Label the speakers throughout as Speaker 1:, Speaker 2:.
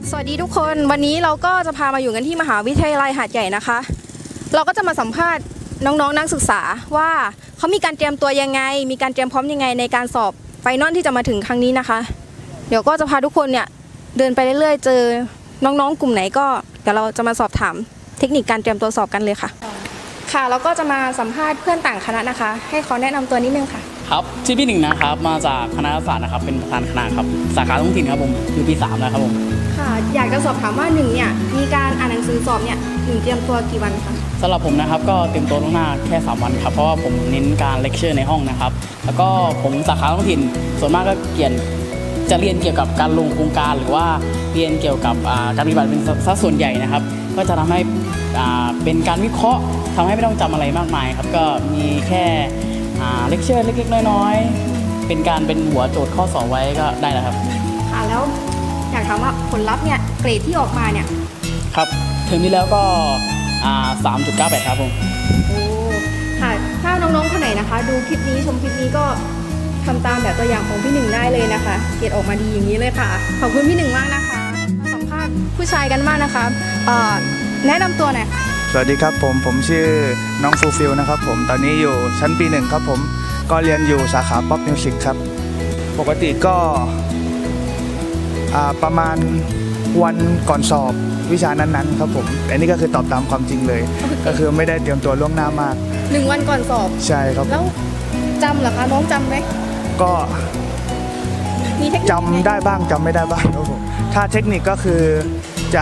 Speaker 1: สวัสดีทุกคนวันนี้เราก็จะพามาอยู่กันที่มหาวิทยาลัยหาดใหญ่นะคะเราก็จะมาสัมภาษณ์น้องๆนักศึกษาว่าเขามีการเตรียมตัวยังไงมีการเตรียมพร้อมยังไงในการสอบไฟนอลที่จะมาถึงครั้งนี้นะคะเดี๋ยวก็จะพาทุกคนเนี่ยเดินไปเรื่อยๆเจอน้องๆกลุ่มไหนก็เดี๋ยวเราจะมาสอบถามเทคนิคการเตรียมตัวสอบกันเลยค่ะค่ะเราก็จะมาสัมภาษณ์เพื่อนต่างคณะนะคะให้เขาแนะนำตัวนิดนึงค่ะ
Speaker 2: ครับชื่อพี่หนึ่งนะครับมาจากคณะรัฐศาสตร์นะครับเป็นประธานคณะครับสาขาท้องถิ่นครับผมอยู่ปี3แล้วครับผม
Speaker 1: ค่ะอยากจะสอบถามว่าหนึ่งเนี่ยมีการอ่านหนังสือสอบเนี่ยหนึ่งเตรียมตัวกี่วันคะ
Speaker 2: สำหรับผมนะครับก็เตรียมตัวล่วงหน้าแค่3วันครับเพราะว่าผมเน้นการเลคเชอร์ในห้องนะครับแล้วก็ผมสาขาท้องถิ่นส่วนมากก็จะเรียนเกี่ยวกับการลงโครงการหรือว่าเรียนเกี่ยวกับการปฏิบัติเป็นสัดส่วนใหญ่นะครับก็จะทำให้เป็นการวิเคราะห์ทำให้ไม่ต้องจำอะไรมากมายครับก็มีแค่เลคเชอร์เล็กๆน้อยๆเป็นหัวโจทย์ข้อสอบไว้ก็ได้แล้วครับ
Speaker 1: ค่ะแล้วอยากถามว่าผลลัพธ์เนี่ยเกรดที่ออกมาเนี่ย
Speaker 2: ครับเทอมที่แล้วก็3.98 ครับผม
Speaker 1: โอ้ค่ะถ้าน้องๆคนไหนนะคะดูคลิปนี้ชมคลิปนี้ก็ทำตามแบบตัวอย่างของพี่หนึ่งได้เลยนะคะเกรดออกมาดีอย่างนี้เลยค่ะขอบคุณพี่หนึ่งมากนะคะมาสัมภาษณ์ผู้ชายกันมากนะคะแนะนำตัวหน่อยค่ะ
Speaker 3: สวัสดีครับผมชื่อน้องฟูลฟิลนะครับผมตอนนี้อยู่ชั้นปี 1ครับผมก็เรียนอยู่สาขาป๊อปมิวสิกครับปกติก็ประมาณวันก่อนสอบวิชานั้นๆครับผมอันนี้ก็คือตอบตามความจริงเลยก็คือไม่ได้เตรียมตัวล่วงหน้ามาก
Speaker 1: 1 วันก่อนสอบ
Speaker 3: ใช่ครับ
Speaker 1: แล้วจำเหรอคะน้องจำไหม
Speaker 3: ก็จำได้บ้างจำไม่ได้บ้างครับผมถ้าเทคนิคก็คือจะ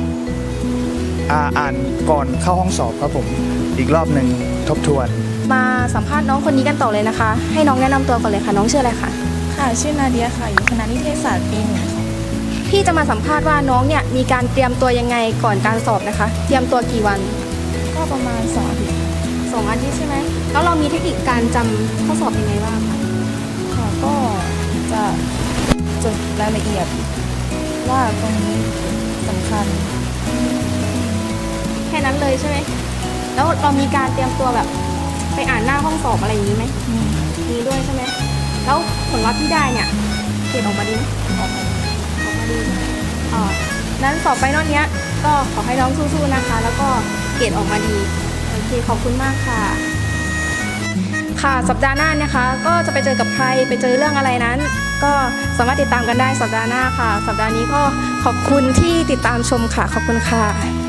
Speaker 3: อ่านก่อนเข้าห้องสอบครับผมอีกรอบหนึ่งทบทวน
Speaker 1: มาสัมภาษณ์น้องคนนี้กันต่อเลยนะคะให้น้องแนะนำตัวก่อนเลยค่ะน้องชื่ออะไรคะ
Speaker 4: ค่ะชื่อนาเดียค่ะอยู่คณะนิเทศศาสตร์ปี 1ค่ะ
Speaker 1: พี่จะมาสัมภาษณ์ว่าน้องเนี่ยมีการเตรียมตัวยังไงก่อนการสอบนะคะเตรียมตัวกี่วัน
Speaker 4: ก็ประมาณ2 อาทิตย์
Speaker 1: 2 อาทิตย์ใช่ไหมแล้วเรามีเทคนิคการจำข้อสอบยังไงบ้างคะ
Speaker 4: ค่ะก็จะจดรายละเอียดว่าตรงนี้สำคัญ
Speaker 1: แค่นั้นเลยใช่ไหมแล้วเรามีการเตรียมตัวแบบไปอ่านหน้าห้องสอบอะไรอย่างนี้ไหมมีด้วยใช่ไหมแล้วผลลัพธ์ที่ได้เนี่ยเกรดออกมาดีไหมออกมาดีนั้นสอบไฟนอลเนี้ยก็ขอให้น้องสู้ๆนะคะแล้วก็เกรดออกมาดีโอเคขอบคุณมากค่ะค่ะสัปดาห์หน้านะคะก็จะไปเจอกับใครไปเจอเรื่องอะไรนั้นก็สามารถติดตามกันได้สัปดาห์หน้าค่ะสัปดาห์นี้ก็ขอบคุณที่ติดตามชมค่ะขอบคุณค่ะ